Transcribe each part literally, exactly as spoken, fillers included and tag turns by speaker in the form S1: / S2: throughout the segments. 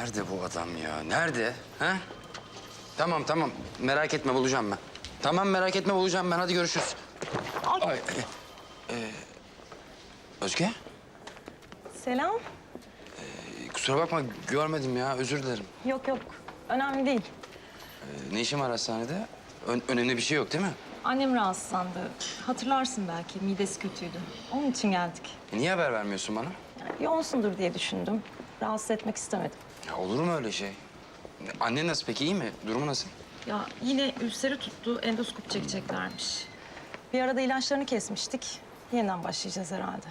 S1: Nerede bu adam ya? Nerede? Ha? Tamam tamam. Merak etme bulacağım ben. Tamam merak etme bulacağım ben. Hadi görüşürüz. Ay. Ay, e, e, Özge?
S2: Selam.
S1: E, kusura bakma görmedim ya. Özür dilerim.
S2: Yok yok. Önemli değil.
S1: E, ne işin var hastanede? Ö- önemli bir şey yok değil mi?
S2: Annem rahatsızlandı. Hatırlarsın belki. Midesi kötüydü. Onun için geldik.
S1: E, niye haber vermiyorsun bana?
S2: Yani yoğunsundur diye düşündüm. Rahatsız etmek istemedim.
S1: Ya olur mu öyle şey? Annen nasıl peki? İyi mi? Durumu nasıl?
S2: Ya yine ülseri tuttu. Endoskop çekeceklermiş. Bir arada ilaçlarını kesmiştik. Yeniden başlayacağız herhalde.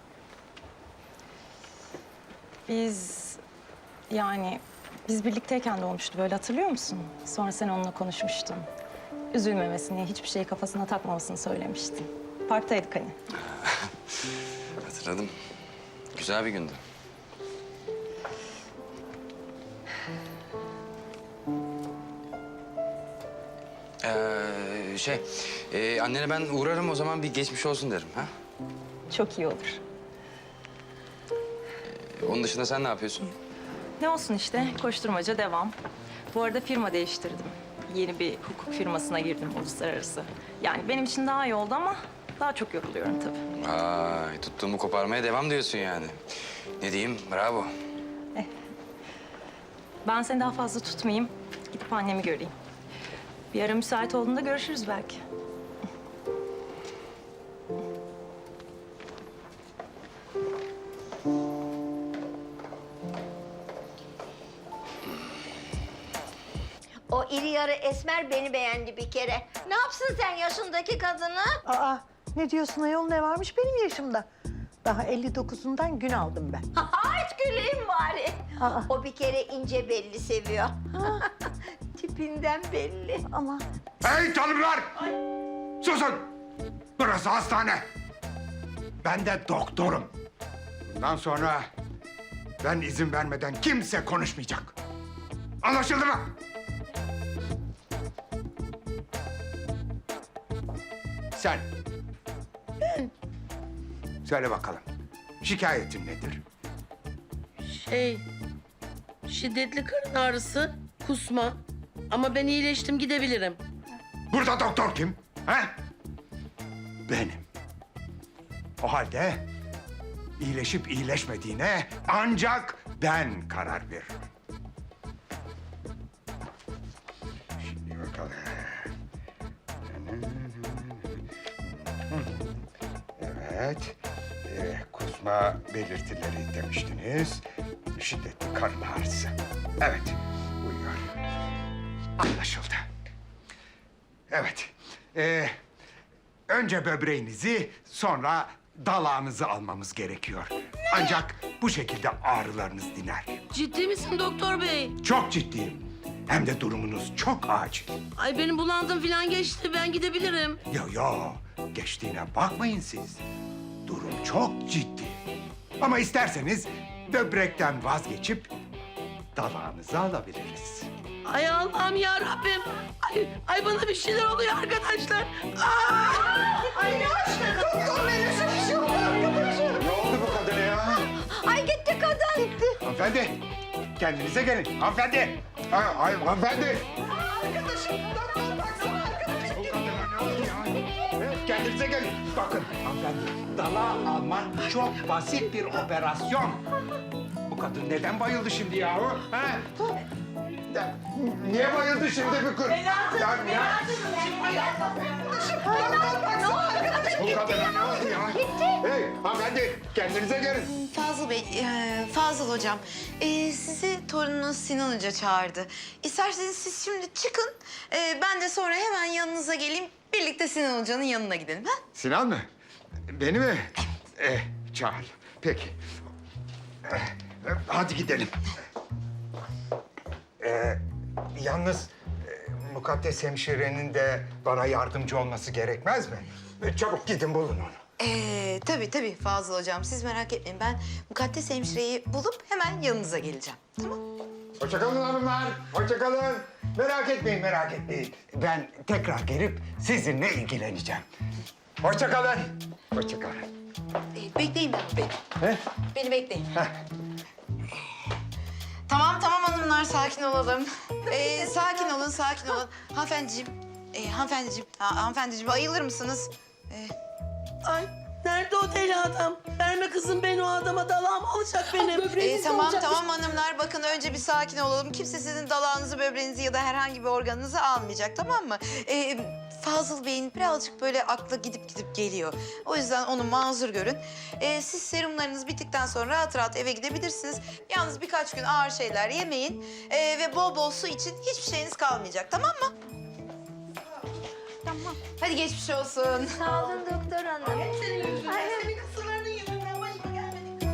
S2: Biz yani biz birlikteyken de olmuştu böyle hatırlıyor musun? Sonra sen onunla konuşmuştun. Üzülmemesini, hiçbir şeyi kafasına takmamasını söylemiştin. Parktaydık hani.
S1: Hatırladım. Güzel bir gündü. Ee, şey, e, annene ben uğrarım o zaman bir geçmiş olsun derim ha.
S2: Çok iyi olur.
S1: E, onun dışında sen ne yapıyorsun?
S2: Ne olsun işte, koşturmaca devam. Bu arada firma değiştirdim. Yeni bir hukuk firmasına girdim uluslararası. Yani benim için daha iyi oldu ama daha çok yoruluyorum tabii.
S1: Ay, tuttuğumu koparmaya devam diyorsun yani. Ne diyeyim, bravo.
S2: Ben seni daha fazla tutmayayım, gidip annemi göreyim. Bir ara müsait olduğunda görüşürüz belki.
S3: O iri yarı esmer beni beğendi bir kere. Ne yapsın sen yaşındaki kadını?
S4: Aa, ne diyorsun ayol, ne varmış benim yaşımda? Daha elli dokuzundan gün aldım ben.
S3: Hiç güleyim bari.
S4: Aa.
S3: O bir kere ince belli seviyor. Tipinden belli.
S4: Ama
S5: Hey tanrılar! Susun! Burası hastane. Ben de doktorum. Bundan sonra ben izin vermeden kimse konuşmayacak. Anlaşıldı mı? Sen. Söyle bakalım. Şikayetin nedir?
S6: Şey, şiddetli karın ağrısı, kusma. Ama ben iyileştim, gidebilirim.
S5: Burada doktor kim? Ha? Benim. O halde iyileşip iyileşmediğine ancak ben karar veririm. Şimdi bakalım. Evet. Ee, kusma belirtileri demiştiniz. Şiddetli karın ağrısı. Evet, uyuyor. Anlaşıldı. Evet. Ee, önce böbreğinizi, sonra dalağınızı almamız gerekiyor. Ancak bu şekilde ağrılarınız diner.
S6: Ciddi misin doktor bey?
S5: Çok ciddiyim. Hem de durumunuz çok acil.
S6: Ay benim bulandım falan geçti, ben gidebilirim.
S5: Yo yo, geçtiğine bakmayın siz. Durum çok ciddi. Ama isterseniz böbrekten vazgeçip dalağınızı alabiliriz.
S6: Ay Allah'ım ya Rabbim. Ay, ay bana bir şeyler oluyor arkadaşlar. Aa!
S3: Ay ne açtı doktor beni şu şu arkadaşım.
S5: Ne oldu bu kadına ya?
S3: Ay gitti kadın. Gitti.
S5: Hanımefendi, kendinize gelin. Hanımefendi. Ay, ay hanımefendi.
S3: Arkadaşım doktor baksana arkadaşım.
S5: Bu kadına ne oldu ya? Evet, kendinize gelin. Bakın hanımefendi, dalağı almak çok basit bir operasyon. Bu kadın neden bayıldı şimdi yahu? Ha? Ya, niye bayıldı şimdi bu kız?
S3: Berat'ım,
S5: Ya, ya,
S3: Arkadaşım ne oldu arkadaşım?
S5: bu kadına ne oldu ya?
S3: Gitti.
S5: Hey hanımefendi, kendinize gelin.
S7: Fazıl Bey, e, Fazıl Hocam, e, sizi torununuz Sinan Hoca çağırdı. İsterseniz siz şimdi çıkın, e, ben de sonra hemen yanınıza geleyim. Birlikte Sinan Hoca'nın yanına gidelim, ha?
S5: Sinan mı? Beni mi? Eh, çağır. Peki. Eh, hadi gidelim. Ee, yalnız e, Mukaddes hemşirenin de bana yardımcı olması gerekmez mi? E, çabuk gidin bulun onu.
S7: E, tabii tabii Fazıl Hocam, siz merak etmeyin. Ben Mukaddes hemşireyi bulup hemen yanınıza geleceğim, tamam?
S5: Hoşça kalın hanımlar. Hoşça kalın. Merak etmeyin, merak etmeyin. Ben tekrar gelip sizinle ilgileneceğim. Hoşça kalın. Hoşça kalın.
S7: E, bekleyin beni, be-
S5: He?
S7: beni bekleyin.
S5: Heh.
S7: Tamam tamam hanımlar sakin olalım. Ee, sakin olun sakin olun. Hanımefendiciğim, e, hanımefendiciğim, ha, hanımefendiciğim ayılır mısınız? Ee,
S6: Ay nerede o deli adam? Verme kızım beni o adama, dalağım alacak benim.
S7: e, tamam tamam hanımlar bakın önce bir sakin olalım. Kimse sizin dalağınızı, böbreğinizi ya da herhangi bir organınızı almayacak tamam mı? Ee, Fazıl Bey'in birazcık böyle aklı gidip gidip geliyor. O yüzden onu mazur görün. Ee, siz serumlarınız bittikten sonra rahat rahat eve gidebilirsiniz. Yalnız birkaç gün ağır şeyler yemeyin ee, ve bol bol su için hiçbir şeyiniz kalmayacak tamam mı? Tamam. Hadi geçmiş olsun.
S3: Sağ olun doktor hanım.
S6: Senin yüzünden, senin kısırlarının yüzünden başıma gelmedi.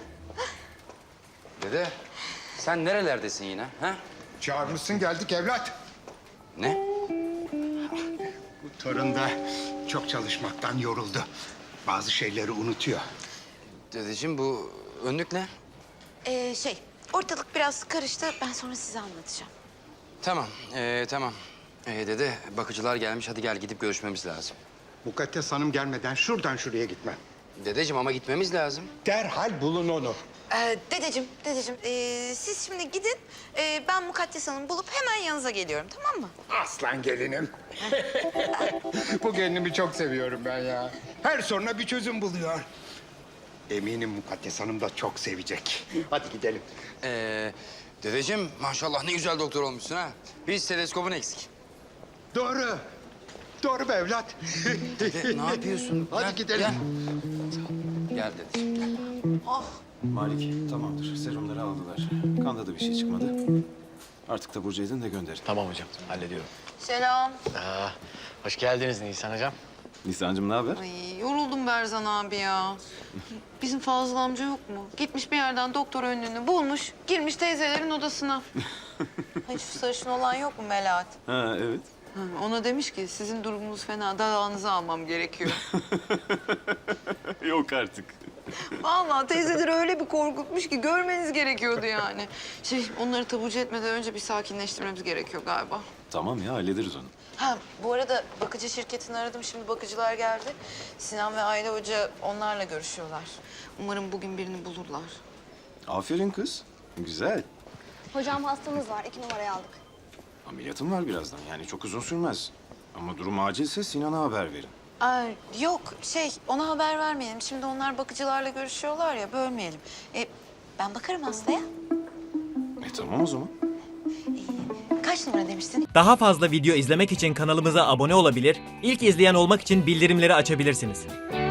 S1: Dede, sen nerelerdesin yine? Ha?
S5: Çağırmışsın geldik evlat.
S1: Ne?
S5: Bu torun da çok çalışmaktan yoruldu. Bazı şeyleri unutuyor.
S1: Dedeciğim bu önlük ne?
S7: Ee, şey, ortalık biraz karıştı. Ben sonra size anlatacağım.
S1: Tamam, ee, tamam. Ee, dede, bakıcılar gelmiş. Hadi gel gidip görüşmemiz lazım.
S5: Mukaddes Hanım gelmeden şuradan şuraya gitmem.
S1: Dedeciğim ama gitmemiz lazım.
S5: Derhal bulun onu.
S7: Ee, dedeciğim, dedeciğim, ee, siz şimdi gidin. Ee, ben Mukaddes Hanım'ı bulup hemen yanınıza geliyorum, tamam mı?
S5: Aslan gelinim. Bu gelinimi çok seviyorum ben ya. Her soruna bir çözüm buluyor. Eminim Mukaddes Hanım da çok sevecek. Hadi gidelim.
S1: Ee, dedeciğim maşallah ne güzel doktor olmuşsun ha. Bir steteskopun eksik.
S5: Doğru. Doğru be evlat.
S1: Dede, ne yapıyorsun?
S5: Hadi
S1: Gel,
S5: gidelim.
S1: Gel, gel dedeciğim.
S8: Malik tamamdır. Serumları aldılar. Kanda da bir şey çıkmadı. Artık da Burcu edin de gönderin.
S9: Tamam hocam, hallediyorum.
S7: Selam.
S9: Aa, hoş geldiniz Nisan hocam.
S8: Nisan'cığım ne haber?
S7: Ay, yoruldum Berzan abi ya. Bizim Fazıl amca yok mu? Gitmiş bir yerden doktor önlüğünü bulmuş, girmiş teyzelerin odasına. Ay, şu sarışın olan yok mu Melahat?
S8: Ha evet.
S7: Ha, ona demiş ki sizin durumunuz fena, dalağınızı almam gerekiyor.
S8: Yok artık.
S7: Vallahi teyzeleri öyle bir korkutmuş ki görmeniz gerekiyordu yani. Şey, onları taburcu etmeden önce bir sakinleştirmemiz gerekiyor galiba.
S8: Tamam ya hallederiz onu.
S7: Ha, bu arada bakıcı şirketini aradım. Şimdi bakıcılar geldi. Sinan ve Ayla Hoca onlarla görüşüyorlar. Umarım bugün birini bulurlar.
S8: Aferin kız. Güzel.
S10: Hocam hastamız var. iki numarayı aldık.
S8: Ameliyatım var birazdan. Yani çok uzun sürmez. Ama durum acilse Sinan'a haber verin.
S7: Aa, yok, şey, ona haber vermeyelim. Şimdi onlar bakıcılarla görüşüyorlar ya, bölmeyelim. E, ben bakarım hastaya.
S8: E tamam o zaman.
S7: Kaç numara demiştin?
S11: Daha fazla video izlemek için kanalımıza abone olabilir, ilk izleyen olmak için bildirimleri açabilirsiniz.